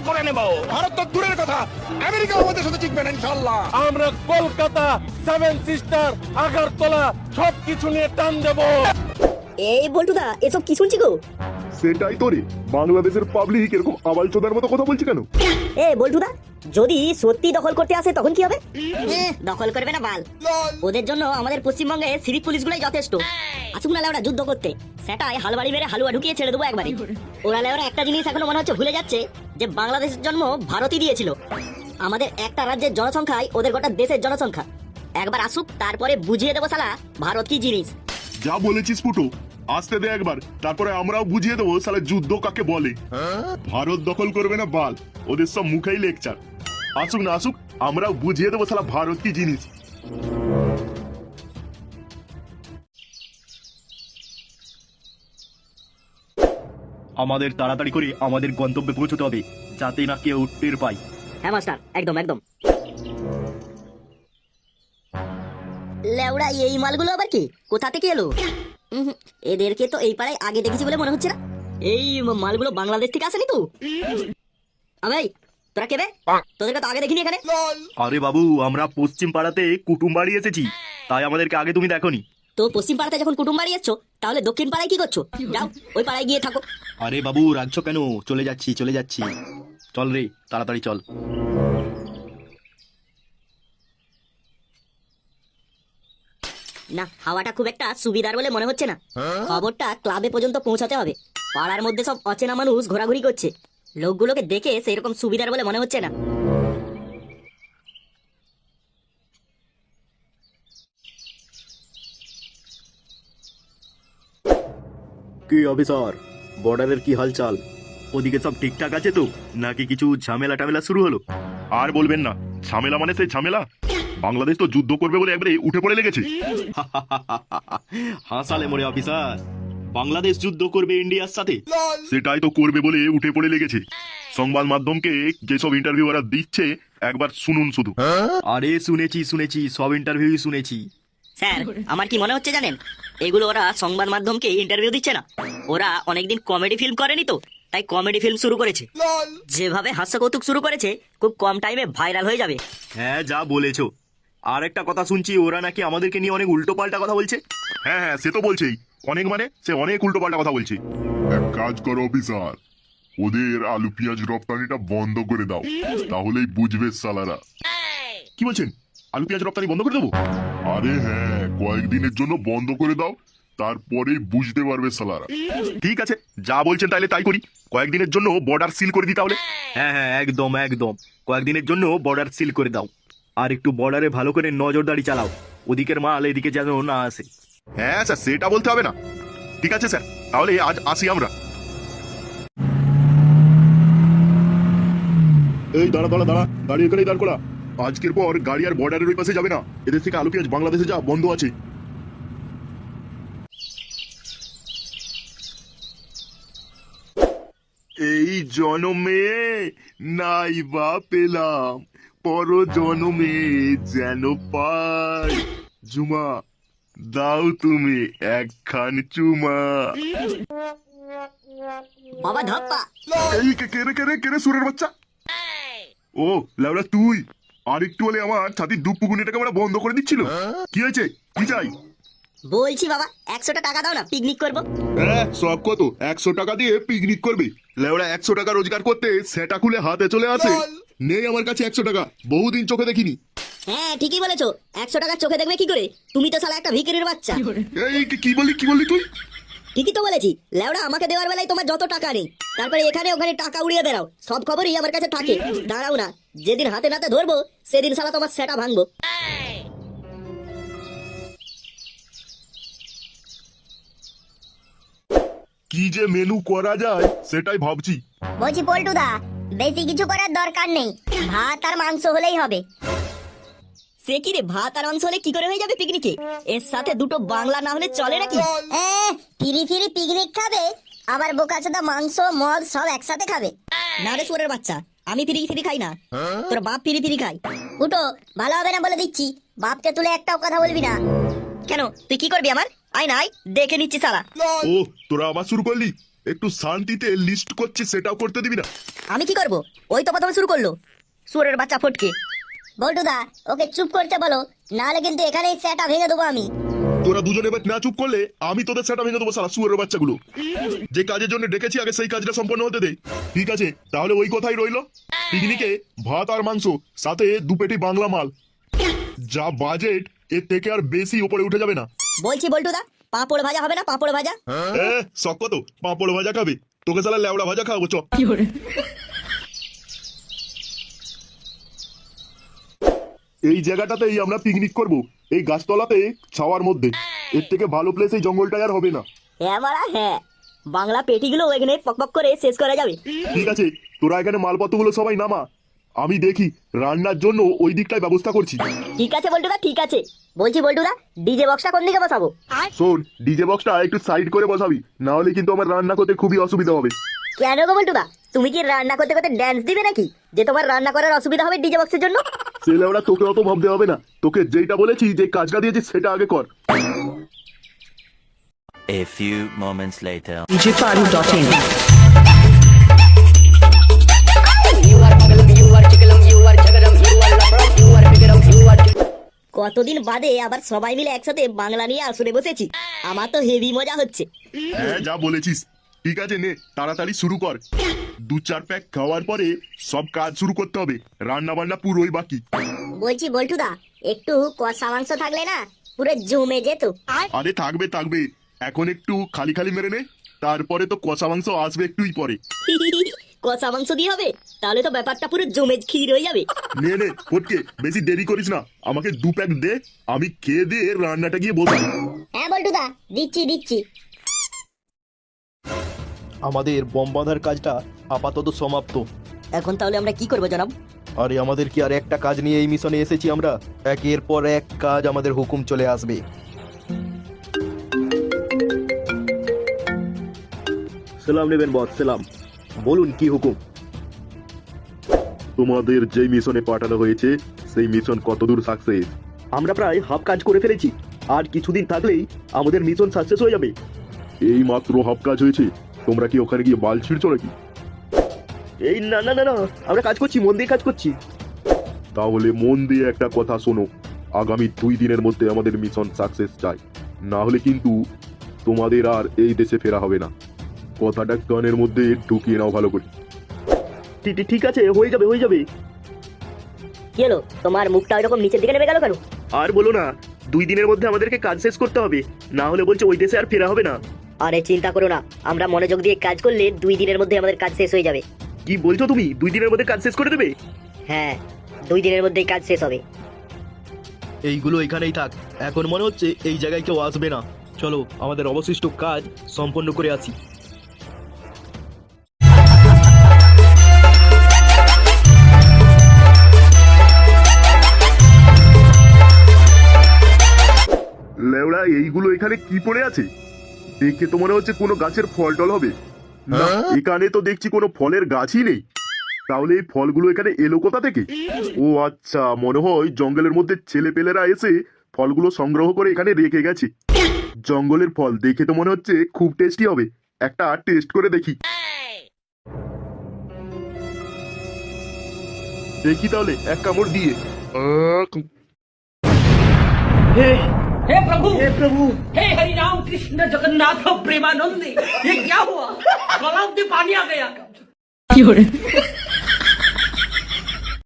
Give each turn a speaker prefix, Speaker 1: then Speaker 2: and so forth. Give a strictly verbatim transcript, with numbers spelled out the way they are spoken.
Speaker 1: করে নেব।
Speaker 2: ভারত তো দূরের কথা, আমেরিকা আমাদের সাথে টিকবে না ইনশাআল্লাহ।
Speaker 3: আমরা কলকাতা, সেভেন সিস্টার, আগরতলা সবকিছু নিয়ে টান দেবো।
Speaker 4: এই বল্টুদা, এসব কি শুনছি গো?
Speaker 5: সেটাই তো রে, বাংলাদেশের পাবলিক এরকম আবাল চোদার মতো কথা বলছে কেন?
Speaker 4: এ বল্টুদা, যদি সত্যি দখল করতে আসে তখন কি হবে? দখল করবে না বাল, ওদের জন্য আমাদের পশ্চিমবঙ্গে সিভিক পুলিশগুলোই যথেষ্ট। আসুক না ওরা যুদ্ধ করতে, সেটাই হালবাড়ি মেরে হালুয়া ঢুকিয়ে ছেড়ে দেবো একবারে। ওরা ওরা একটা জিনিস এখনো মনে হচ্ছে ভুলে যাচ্ছে, যে বাংলাদেশের জন্ম ভারতই দিয়েছিল। আমাদের একটা রাজ্যের জনসংখ্যায় ওদের গোটা দেশের জনসংখ্যা। একবার আসুক, তারপরে বুঝিয়ে দেবো শালা ভারত কি জিনিস।
Speaker 5: যা বলেছিস ফুটো, আসতে দে একবার, তারপরে আমরাও বুঝিয়ে দেবো সালে যুদ্ধ কাকে বলে। ভারত দখল করবে না বাল, ওদের সব মুখেই লেকচার। আসুক না আসুক, আমরাও বুঝিয়ে দেবো সালা ভারত কি জিনিস।
Speaker 6: আমাদের তাড়াতাড়ি করে আমাদের গন্তব্যে পৌঁছতে হবে, যাতে না কেউ টের পায়।
Speaker 4: হ্যাঁ মাস্টার, একদম একদম। লেওড়া, এই মালগুলো আবার কি, কোথা থেকে এলো? উহুম, এদেরকে তো এই পাড়ায় আগে দেখেছি বলে মনে হচ্ছে না। এই মালগুলো বাংলাদেশ থেকে আসেনি তো? আবে তোরা কেবে? তোদেরকে তো আগে দেখিনি এখানে।
Speaker 6: আরে বাবু, আমরা পশ্চিম পাড়াতে কুটুম বাড়ি এসেছি, তাই আমাদেরকে আগে তুমি দেখোনি।
Speaker 4: তো পশ্চিম পাড়াতে যখন কুটুম বাড়ি এসছো, তাহলে দক্ষিণ পাড়ায় কি করছো? যাও ওই পাড়ায় গিয়ে থাকো।
Speaker 6: আরে বাবু, রাখছো কেন? চলে যাচ্ছি চলে যাচ্ছি, চল রে তাড়াতাড়ি চল।
Speaker 4: না, হাওয়াটা খুব একটা সুবিধার বলে মনে হচ্ছে না। খবরটা ক্লাবে পর্যন্ত পৌঁছাতে হবে। পাড়ার মধ্যে সব অচেনা মানুষ ঘোরাঘুরি করছে, লোকগুলোকে দেখে সেরকম সুবিধার বলে মনে হচ্ছে না।
Speaker 6: কি অফিসার, বর্ডারের কি হালচাল? ওদিকে সব ঠিকঠাক আছে তো, নাকি কিছু ঝামেলা টামেলা শুরু হলো?
Speaker 5: আর বলবেন না, ঝামেলা মানে সেই ঝামেলা। বাংলাদেশ তো যুদ্ধ করবে বলে একবারে উঠে পড়ে লেগেছে।
Speaker 6: হাসালে মরে অফিসার, বাংলাদেশ যুদ্ধ করবে ইন্ডিয়ার সাথে?
Speaker 5: সেটাই তো করবে বলে উঠে পড়ে লেগেছে। সংবাদ মাধ্যমকে যেসব ইন্টারভিউ ওরা দিচ্ছে একবার শুনুন শুধু।
Speaker 6: আরে শুনেছি শুনেছি, সব ইন্টারভিউ শুনেছি।
Speaker 4: স্যার, আমার কি মনে হচ্ছে জানেন, এগুলো ওরা সংবাদ মাধ্যমকে ইন্টারভিউ দিচ্ছে না, ওরা অনেকদিন কমেডি ফিল্ম করেনি তো, তাই কমেডি ফিল্ম শুরু করেছে। যেভাবে হাস্য কৌতুক শুরু করেছে, খুব কম টাইমে ভাইরাল হয়ে যাবে।
Speaker 6: হ্যাঁ, যা বলেছো। আর একটা কথা শুনছি, ওরা নাকি আমাদেরকে নিয়ে অনেক উল্টো পাল্টা কথা বলছে।
Speaker 5: হ্যাঁ হ্যাঁ, সে তো বলছেই, অনেক মানে সে অনেক উল্টো পাল্টা কথা বলছে। এক কাজ করো অফিসার, ওদের আলু পেঁয়াজ রপ্তানিটা বন্ধ করে দাও, তাহলেই বুঝবে সালারা। কি বলছেন, আলু পেঁয়াজ রপ্তানি বন্ধ করে দেবো? আরে হ্যাঁ, কয়েকদিনের জন্য বন্ধ করে দাও, তারপরেই বুঝতে পারবে সালারা। ঠিক আছে, যা বলছেন তাহলে তাই করি। কয়েকদিনের জন্য বর্ডার সিল করে দিই তাহলে।
Speaker 6: হ্যাঁ হ্যাঁ, একদম একদম, কয়েকদিনের জন্য বর্ডার সিল করে দাও। আর একটু বর্ডারে ভালো করে নজরদারি চালাও, ওদিকের মাল এদিকে যেন না আসে।
Speaker 5: হ্যাঁ স্যার, সেটা বলতে হবে না। ঠিক আছে স্যার, তাহলে আজ আসি আমরা। এই দাঁড়া দাঁড়া দাঁড়া, গাড়ি এখানেই দাঁড় করা। আজকের পর গাড়ি আর বর্ডারের ওই পাশে যাবে না, এদের থেকে আলু পেঁয়াজ বাংলাদেশে যা বন্ধ আছে। এই জনমে নাই বা পেলাম, পর জনমে যেন পাই। জুমা দাও তুমি একখান চুমা।
Speaker 4: বাবা ধপ্পা,
Speaker 5: এই কে কেরে কেরে কেরে সুরের বাচ্চা। ও লাউলা তুই, আর একটু হলে আমার ছাতির দুপ পুকুনিটাকে আমরা বন্ধ করে দিচ্ছিল। কি হয়েছে, কি চাই?
Speaker 4: বলছি বাবা একশোটা টাকা দাও না, পিকনিক করবো।
Speaker 5: হ্যাঁ, সব কত একশো টাকা দিয়ে পিকনিক করবি? লেওড়া একশো টাকা রোজগার করতে সেটা খুলে হাতে চলে আসে। নেই আমার কাছে একশো টাকা, বহুদিন চোখে দেখিনি।
Speaker 4: হ্যাঁ ঠিকই বলেছো, একশো টাকা চোখে দেখবে কি করে? তুমি তো শালা একটা ভিখারির বাচ্চা।
Speaker 5: এই কি- কি বললি কি বললি তুই?
Speaker 4: ঠিকই তো বলেছি, লেওড়া আমাকে দেওয়ার বেলায় তোমার যত টাকা নেই, তারপরে এখানে ওখানে টাকা উড়িয়ে বেড়াও, সব খবরই আমার কাছে থাকে। দাঁড়াও না, যেদিন হাতে নাতে ধরবো সেদিন শালা তোমার সেটা ভাঙবো।
Speaker 5: কি যে মেনু করা যায় সেটাই ভাবছি।
Speaker 7: বলছি পল্টুদা, বেশি কিছু করার দরকার নেই, ভাত আর মাংস হলেই হবে।
Speaker 4: সে কি রে, ভাত আর মাংস হলে কি করে হয়ে যাবে পিকনিকে? এর সাথে দুটো বাংলা না হলে চলে নাকি?
Speaker 7: এ, ফিরি ফিরি পিকনিক খাবে, আবার বোকাচোদা মাংস মদ সব একসাথে খাবে।
Speaker 4: না রে সুরের বাচ্চা, আমি ফিরি ফিরি খাই না, তোর বাপ ফিরি ফিরি খাই।
Speaker 7: উঠো, ভালো হবে না বলে দিচ্ছি, বাপকে তুলে একটাও কথা বলবি না।
Speaker 4: কেন, তুই কি করবি আমার? আয় না আয়, দেখে নিচ্ছি শালা।
Speaker 5: ও তোরা আবার শুরু করলি? একটু শান্তিতে লিস্ট করছি সেটাও করতে দিবি না?
Speaker 4: আমি কি করব? ওই তো প্রথমে শুরু করলো সুরের বাচ্চা ফটকে।
Speaker 7: বল্টুদা ওকে চুপ করতে বলো, নাহলে কিন্তু এখানেই সেটা ভেঙে দেবো আমি।
Speaker 5: তোরা দুজনে এবার না চুপ করলে আমি তোদের সেটা ভেঙে দেবো, সারা শুয়োরের বাচ্চাগুলো। যে কাজের জন্য ডেকেছি আগে সেই কাজটা সম্পন্ন হতে দে। ঠিক আছে, তাহলে ওই কথাই রইলো। পিকনিকে ভাত আর মাংস, সাথে দু পেটি বাংলা মাল। যা বাজেট এর থেকে আর বেশি উপরে উঠে যাবে না।
Speaker 4: বলছি বল্টুদা, পাঁপড় ভাজা হবে না? পাঁপড় ভাজা।
Speaker 5: এ শখ তো পাঁপড় ভাজা খাবে, তোকে সালা লেওড়া ভাজা খাওয়াবো চ। এই জায়গাটাতেই আমরা পিকনিক করব, এই গাছতলাতে ছাওয়ার মধ্যে। এর থেকে ভালো প্লেস এই জঙ্গলটাই আর হবে না।
Speaker 4: হ্যাঁ মারা হ্যাঁ, বাংলা পেটিগুলো এখানে পকপক করে শেষ করা যাবে।
Speaker 5: ঠিক আছে, তোরা এখানে মালপত্রগুলো সবাই নামা, আমি দেখি রান্নার জন্য ওই দিকটায় ব্যবস্থা করছি।
Speaker 4: ঠিক আছে বল্টুদা, ঠিক আছে। বলছি বল্টুদা, ডিজে বক্সটা কোন দিকে বসাবো?
Speaker 5: শোন, ডিজে বক্সটা একটু সাইড করে বসাবি, না হলে কিন্তু আমার রান্না করতে খুবই অসুবিধা হবে।
Speaker 4: কেন গো বল্টুদা, তুমি কি রান্না করতে করতে ড্যান্স দিবে নাকি, যে তোমার রান্না করার অসুবিধা হবে ডিজে বক্সের জন্য?
Speaker 5: ছেলে ওরা তোকে অত ভাবতে হবে না, তোকে যেটা বলেছি, যে কাজটা দিয়েছি সেটা আগে কর।
Speaker 1: A few moments later.
Speaker 8: Digital dot in.
Speaker 4: কতদিন বাদে আবার সবাই মিলে একসাথে বাংলা নিয়ে আসরে বসেছি, আমার তো হেভি মজা হচ্ছে।
Speaker 5: হ্যাঁ যা বলেছিস। ঠিক আছে নে, তাড়াতাড়ি শুরু কর। দু চার প্যাক খাওয়ার পরে সব কাজ শুরু করতে হবে, রান্না বান্না পুরোই বাকি।
Speaker 7: বলছি বল্টুদা, একটু কষা মাংস থাকলে না পুরো জমে যেত।
Speaker 5: আরে থাকবে থাকবে, এখন একটু খালি খালি মেরে নে, তারপরে তো কষা মাংস আসবে একটুই পরে।
Speaker 4: কষা মাংস দিয়ে হবে? তাহলে তো ব্যাপারটা পুরো জমে ক্ষীর হয়ে যাবে।
Speaker 5: নে নে ফটকে, বেশি দেরি করিস না, আমাকে দু প্যাক দে, আমি খেয়ে দিয়ে রান্নাটা গিয়ে বসাই।
Speaker 7: হ্যাঁ বল্টুদা, দিচ্ছি দিচ্ছি।
Speaker 6: আমাদের বম বাঁধার কাজটা আপাতত সমাপ্ত।
Speaker 4: এখন তাহলে আমরা কি করবো জনাব?
Speaker 6: আরে আমাদের কি আর একটা কাজ নিয়ে এই মিশনে এসেছি আমরা? একের পর এক কাজ আমাদের হুকুম চলে আসবে। সালাম নেবেন বস, সালাম। বলুন কি হুকুম?
Speaker 5: তোমাদের যে মিশনে পাঠানো হয়েছে সেই মিশন কতদূর সাকসেস?
Speaker 6: আমরা প্রায় হাফ কাজ করে ফেলেছি, আর কিছুদিন থাকলেই আমাদের মিশন সাকসেস হয়ে যাবে।
Speaker 5: এই মাত্র হাফ কাজ হয়েছে, তোমরা কি ওখানে গিয়ে বাল ছিড়ছো নাকি?
Speaker 6: এই না না না না, আমরা কাজ করছি, মন দিয়ে কাজ করছি।
Speaker 5: তাহলে মন দিয়ে একটা কথা শোনো, আগামী দুই দিনের মধ্যে আমাদের মিশন সাকসেস চাই, না হলে কিন্তু তোমাদের আর এই দেশে ফেরা হবে না। কথাটা কানের মধ্যে ঢুকিয়ে নাও ভালো করে।
Speaker 6: ঠিক ঠিক আছে, হয়ে যাবে হয়ে যাবে।
Speaker 4: কি হলো, তোমার মুখটা ওইরকম নিচের দিকে নেমে গেল কেন?
Speaker 6: আর বলো না, দুই দিনের মধ্যে আমাদেরকে কাজ শেষ করতে হবে, না হলে বলছে ওই দেশে আর ফেরা হবে না।
Speaker 4: আরে চিন্তা করো না, আমরা মনোযোগ দিয়ে কাজ করলে দুই দিনের মধ্যে আমাদের কাজ শেষ হয়ে যাবে।
Speaker 6: কি বলছো তুমি, দুই দিনের মধ্যে কাজ শেষ করে দেবে?
Speaker 4: হ্যাঁ, দুই দিনের মধ্যেই কাজ শেষ হবে।
Speaker 6: এইগুলো এখানেই থাক, এখন মনে হচ্ছে এই জায়গায় কেউ আসবে না। চলো আমাদের অবশিষ্ট কাজ সম্পন্ন করে আসি।
Speaker 5: লেওড়া এইগুলো এখানে কি পড়ে আছে? দেখে তো মনে হচ্ছে কোনো গাছের ফল টল হবে না, এখানে তো দেখছি কোনো ফলের গাছই নেই। তাহলে এই ফলগুলো এখানে এলো কোথা থেকে? ও আচ্ছা, মনে হয় জঙ্গলের মধ্যে ছেলেপেলেরা এসে ফলগুলো সংগ্রহ করে এখানে রেখে গেছে। জঙ্গলের ফল দেখে তো মনে হচ্ছে খুব টেস্টি হবে, একটা টেস্ট করে দেখি। দেখি তাহলে এক কামড় দিয়ে। আহ,
Speaker 8: हे प्रभु हे प्रभु हे हरि राम कृष्ण जगन्नाथ प्रेमानंद, ये क्या हुआ? गलाव में पानी आ गया।